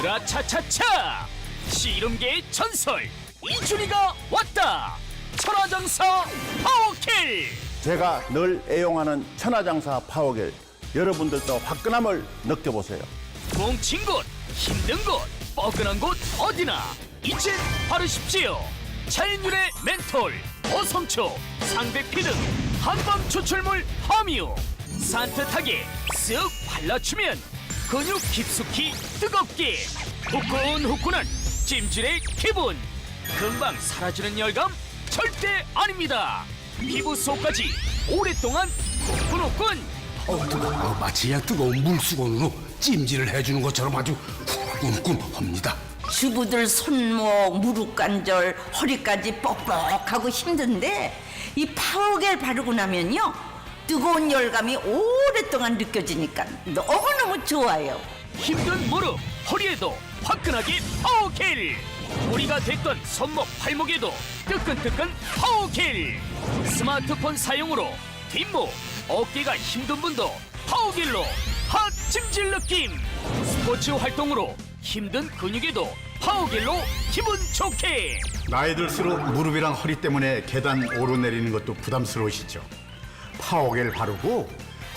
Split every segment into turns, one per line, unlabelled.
으라차차차! 씨름계의 전설 이준희가 왔다! 천하장사 파워킬!
제가 늘 애용하는 천하장사 파워겔, 여러분들도 화끈함을 느껴보세요.
뭉친 곳, 힘든 곳, 뻐근한 곳 어디나 이젠 바르십시오. 자연유래 멘톨, 어성초, 상백피 등 한방 추출물 함유. 산뜻하게 쓱 발라주면 근육 깊숙이 뜨겁게 후끈후끈한 찜질의 기분. 금방 사라지는 열감 절대 아닙니다. 피부 속까지 오랫동안 후끈후끈.
뜨거워. 마치 그냥 뜨거운 물수건으로 찜질을 해주는 것처럼 아주 쿵쿵합니다.
주부들 손목, 무릎 관절, 허리까지 뻑뻑하고 힘든데 이 파워겔 바르고 나면요 뜨거운 열감이 오랫동안 느껴지니까 너무너무 좋아요.
힘든 무릎, 허리에도 화끈하게 파워겔. 무리가 됐던 손목, 팔목에도 뜨끈뜨끈 파워겔. 스마트폰 사용으로 뒷목, 어깨가 힘든 분도 파워겔로 핫 찜질 느낌. 스포츠 활동으로 힘든 근육에도 파워겔로 기분 좋게.
나이 들수록 무릎이랑 허리 때문에 계단 오르내리는 것도 부담스러우시죠? 파워겔 바르고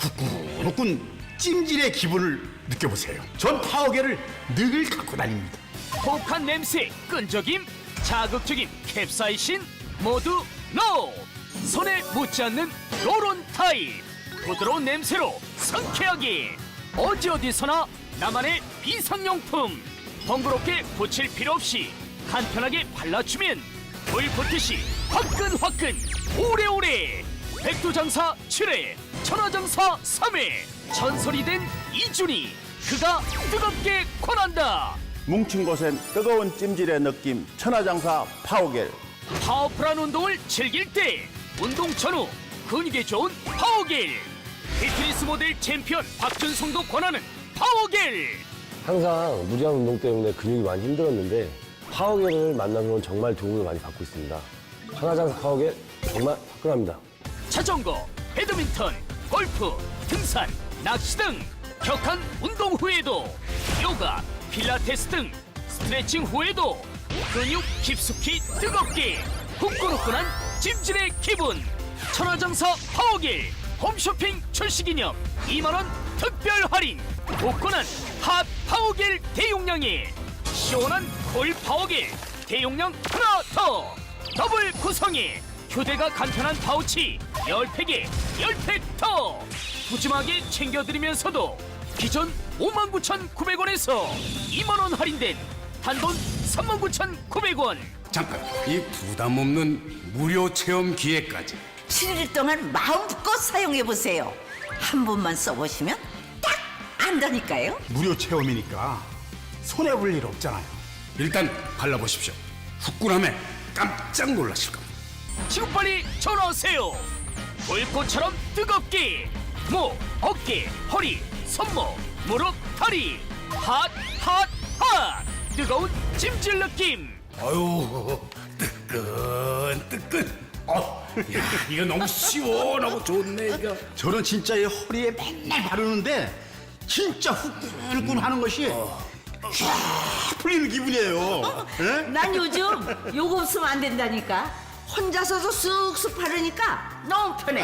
후끈후끈 찜질의 기분을 느껴보세요. 전 파워겔을 늘 갖고 다닙니다.
혹한 냄새, 끈적임, 자극적인 캡사이신 모두 NO! 손에 묻지 않는 로론 타입. 부드러운 냄새로 상쾌하게. 어디서나 나만의 비상용품. 번거롭게 붙일 필요 없이 간편하게 발라주면 불 붙듯이 화끈화끈 오래오래. 백두장사 7회, 천하장사 3회. 전설이 된 이준희, 그가 뜨겁게 권한다.
뭉친 곳엔 뜨거운 찜질의 느낌, 천하장사 파워겔.
파워풀한 운동을 즐길 때 운동 전후 근육에 좋은 파워겔. 피트니스 모델 챔피언 박준성도 권하는 파워겔.
항상 무리한 운동 때문에 근육이 많이 힘들었는데 파워겔을 만나면 정말 도움을 많이 받고 있습니다. 천하장사 파워겔 정말 화끈합니다.
자전거, 배드민턴, 골프, 등산, 낚시 등 격한 운동 후에도 요가, 필라테스 등 스트레칭 후에도 근육 깊숙이 뜨겁게 후끈후끈한 찜질의 기분. 천하장사 파워겔 홈쇼핑 출시기념 2만원 특별 할인. 후끈한 핫 파워겔 대용량에 시원한 콜 파워겔 대용량 하나 더. 더블 구성에 휴대가 간편한 파우치 10팩에 10팩 더. 푸짐하게 챙겨드리면서도 기존 59,900원에서 2만원 할인된 단돈 39,900원.
잠깐, 이 부담 없는 무료 체험 기회까지.
7일 동안 마음껏 사용해보세요. 한 번만 써보시면 딱 안다니까요.
무료 체험이니까 손해볼 일 없잖아요.
일단 발라보십시오. 후끈함에 깜짝 놀라실 겁니다.
지금 빨리 전화하세요. 불꽃처럼 뜨겁게 목, 어깨, 허리, 손목, 무릎, 다리 핫 뜨거운 찜질 느낌.
아유, 뜨끈. 야, 이거 너무 시원하고 좋네, 이거.
저는 진짜 이 허리에 맨날 바르는데 진짜 후끈후끈 하는 것이 쫙 풀리는 기분이에요. 예?
난 요즘 요거 없으면 안 된다니까. 혼자서도 쑥쑥 바르니까 너무 편해.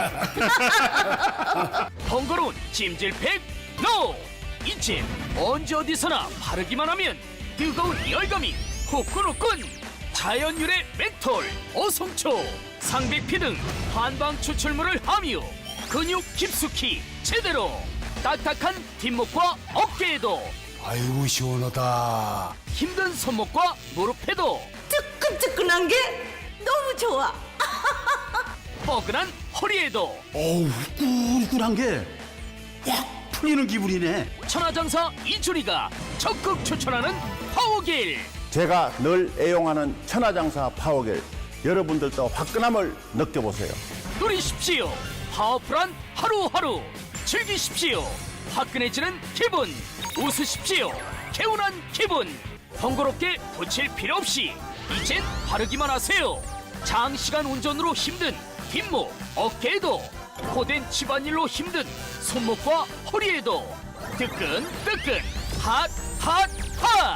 번거로운 찜질팩 NO! 이젠 언제 어디서나 바르기만 하면 뜨거운 열감이 후끈후끈. 자연유래 멘톨, 어성초, 상백피 등 한방 추출물을 함유. 근육 깊숙이 제대로. 딱딱한 뒷목과 어깨에도,
아이고, 시원하다.
힘든 손목과 무릎에도,
뜨끈뜨끈한 게 너무 좋아.
뻐근한 허리에도
어우, 후끈후끈한 게 확 풀리는 기분이네.
천하장사 이준희가 적극 추천하는 파워겔.
제가 늘 애용하는 천하장사 파워겔, 여러분들도 화끈함을 느껴보세요.
누리십시오. 파워풀한 하루하루. 즐기십시오. 화끈해지는 기분. 웃으십시오. 개운한 기분. 번거롭게 붙일 필요 없이 이젠 바르기만 하세요. 장시간 운전으로 힘든 뒷목, 어깨에도, 고된 집안일로 힘든 손목과 허리에도 뜨끈뜨끈 핫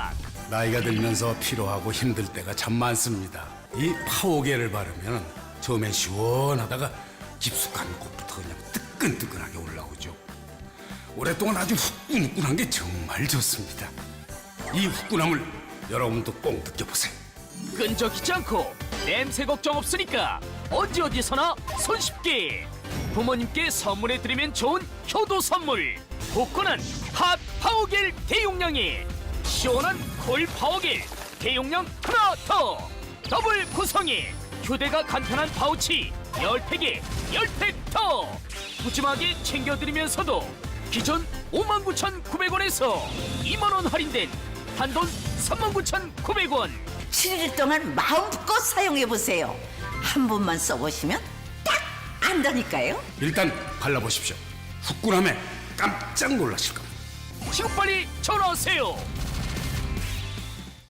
나이가 들면서 피로하고 힘들 때가 참 많습니다. 이 파워겔을 바르면 처음엔 시원하다가 깊숙한 곳부터 그냥 뜨끈뜨끈하게 올라오죠. 오랫동안 아주 후끈후끈한 게 정말 좋습니다. 이 후끈함을 여러분도 꼭 느껴보세요.
끈적이지 않고 냄새 걱정 없으니까 언제 어디서나 손쉽게 부모님께 선물해드리면 좋은 효도 선물. 복권한 핫 파워겔 대용량에 시원한 콜 파워겔 대용량 하나 더 더블 구성에 휴대가 간편한 파우치 10팩에 10팩 더 푸짐하게 챙겨드리면서도 기존 59,900원에서 2만원 할인된 단돈 39,900원.
7일 동안 마음껏 사용해보세요. 한 번만 써보시면 딱 안다니까요.
일단 발라보십시오. 후끈함에 깜짝 놀라실 겁니다.
지금 빨리 전화하세요.